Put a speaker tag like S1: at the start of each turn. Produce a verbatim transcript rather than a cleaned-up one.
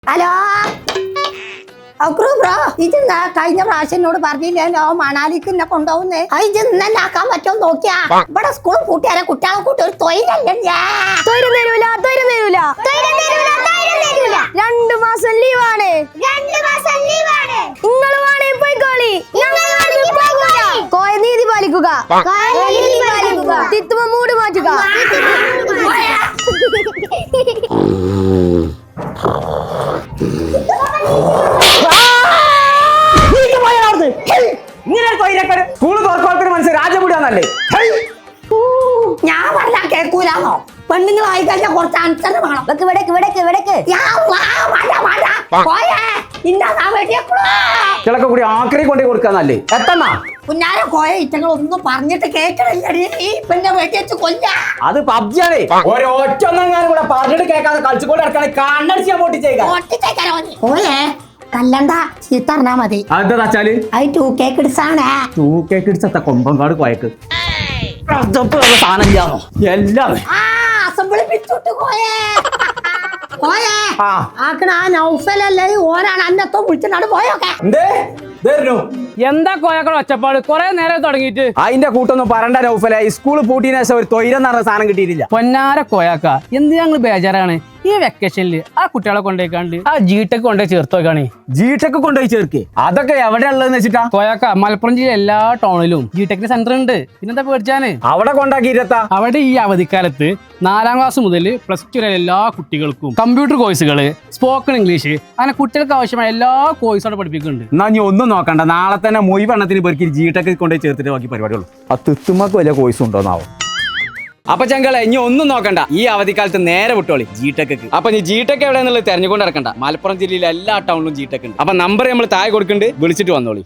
S1: Hello അക്രു bro ഇതെന്താ കഴിഞ്ഞ പ്രാവശ്യം എന്നോട് പറഞ്ഞില്ലല്ലോ മണാലിക്ക് എന്നെ കൊണ്ടുപോകുന്നേ ഇത് ഇന്നെ ആക്കാൻ പറ്റുമോ നോക്കിയാ ഇവിടെ സ്കൂൾ കൂട്ടിയാരെ കുട്ടികളെ കൂട്ടി ഒരു തൊഴിലല്ലേ
S2: തൊഴിലും തരൂല തൊഴിലും തരൂല രണ്ടു മാസം ലീവാണ് നിങ്ങൾ വേണേ പോയിക്കോളി കോയ നീതി പാലിക്കുക തിത്തുമ മൂട് മാറ്റുക
S1: ഞാൻ പറഞ്ഞ കേക്കൂലാന്നോ പെണ്ണുങ്ങളായി കഴിഞ്ഞാൽ കുറച്ച് അനുസരണം വേണം
S2: വെക്ക് വിടക്ക് വിടക്ക് വിടക്ക്
S3: ചിലക്കെ കൂടി ആക്രി കൊണ്ടേ കൊടുക്കാന്നല്ലേ എത്തണ്ണ
S1: കുഞ്ഞാരെ കോയ ഇറ്റങ്ങൾ ഒന്നും പറഞ്ഞിട്ട് കേക്കണില്ലടി ഈ പെണ്ണെ വെട്ടി വെച്ച് കൊല്ല
S3: അത് പബ്ജിയാണേ ഒരൊറ്റ ഒന്നെങ്ങാനും കൂടെ പറഞ്ഞിട്ട് കേൾക്കാതെ കളിച്ചുകൊണ്ട് നടക്കണേ കണ്ണടിച്ച് ഞാൻ പൊട്ടിച്ചേക്കാം
S1: കോയെ കല്ലണ്ട ചീത്ത പറഞ്ഞാ മതി
S3: അതെന്താ വെച്ചാല്
S1: അത് ടൂ കേക്ക് ഇടിച്ചാണേ
S3: ടൂ കേക്ക് ഇടിച്ചത്ത കൊമ്പങ്കാട് കോയക്ക് സാധനം ഇല്ലാന്നോ എല്ലാം
S1: ആ അസംബ്ലി പിടിച്ചോട്ട് കോയേ കോയേ
S3: ആ.
S1: ആക്കണ ആ നൗഫലല്ലേ ഓനാണ് അന്നത്തോ വിളിച്ചിട്ടാണ് പോയൊക്കെ
S3: എന്തേ ഇതായിരുന്നു
S4: എന്താ കോയക്കള ഒച്ചപ്പാട് കൊറേ നേരം തുടങ്ങിയിട്ട്
S3: അതിന്റെ കൂട്ടൊന്നും പറണ്ട നൗഫലെ സ്കൂൾ പൂട്ടിന് ശേഷം ഒരു തൊയിലെന്ന് പറഞ്ഞ സാധനം കിട്ടിയിട്ടില്ല
S4: പൊന്നാര കോയാക്ക എന്ത് ഞങ്ങൾ ബേജാറാണ് ഈ വെക്കേഷനിൽ ആ കുട്ടികളെ കൊണ്ടുപോയിക്കാണ്ട് ആ ജീട്ടൊക്കെ കൊണ്ടുപോയി ചേർത്ത് വെക്കാണേ
S3: ജീട്ടൊക്കെ കൊണ്ടുപോയി ചേർക്ക് അതൊക്കെ എവിടെ ഉള്ളതെന്ന് വെച്ചിട്ടാ
S4: കോയാക്ക മലപ്പുറം ജില്ല എല്ലാ ടൗണിലും ജീടെക്കിന് സെന്റർ ഉണ്ട് പിന്നെന്താ പേടിച്ചാന്
S3: അവിടെ കൊണ്ടാക്കിയിരുത്താ
S4: അവിടെ ഈ അവധിക്കാലത്ത് നാലാം ക്ലാസ് മുതൽ പ്ലസ് ടു വരെ എല്ലാ കുട്ടികൾക്കും കമ്പ്യൂട്ടർ കോഴ്സുകള് സ്പോക്കൺ ഇംഗ്ലീഷ് അങ്ങനെ കുട്ടികൾക്ക് ആവശ്യമായ എല്ലാ കോഴ്സും അവിടെ പഠിപ്പിക്കുന്നുണ്ട്
S3: എന്നാ നീ ഒന്നും നോക്കണ്ട നാളെ തന്നെ മൊയ് വണ്ണത്തിന് പേർക്ക് ജീട്ടൊക്കെ കൊണ്ടുപോയി ചേർത്തിട്ട് ബാക്കി പരിപാടിയുള്ളൂ ആ തിത്തുമ്മക്ക് വലിയ കോഴ്സ് ഉണ്ടോന്നാവും അപ്പൊ ചങ്കളെ ഇനി ഒന്നും നോക്കണ്ട ഈ അവധിക്കാലത്ത് നേരെ വിട്ടോളി ജീടെക്ക് അപ്പൊ നീ ജീടെക്ക് എവിടെയെന്നുള്ളത് തെരഞ്ഞുകൊണ്ട് നടക്കണ്ട മലപ്പുറം ജില്ലയിലെ എല്ലാ ടൗണിലും ജീടെക്ക് ഉണ്ട് അപ്പൊ നമ്പർ നമ്മൾ താഴെ കൊടുക്കുന്നുണ്ട് വിളിച്ചിട്ട് വന്നോളി.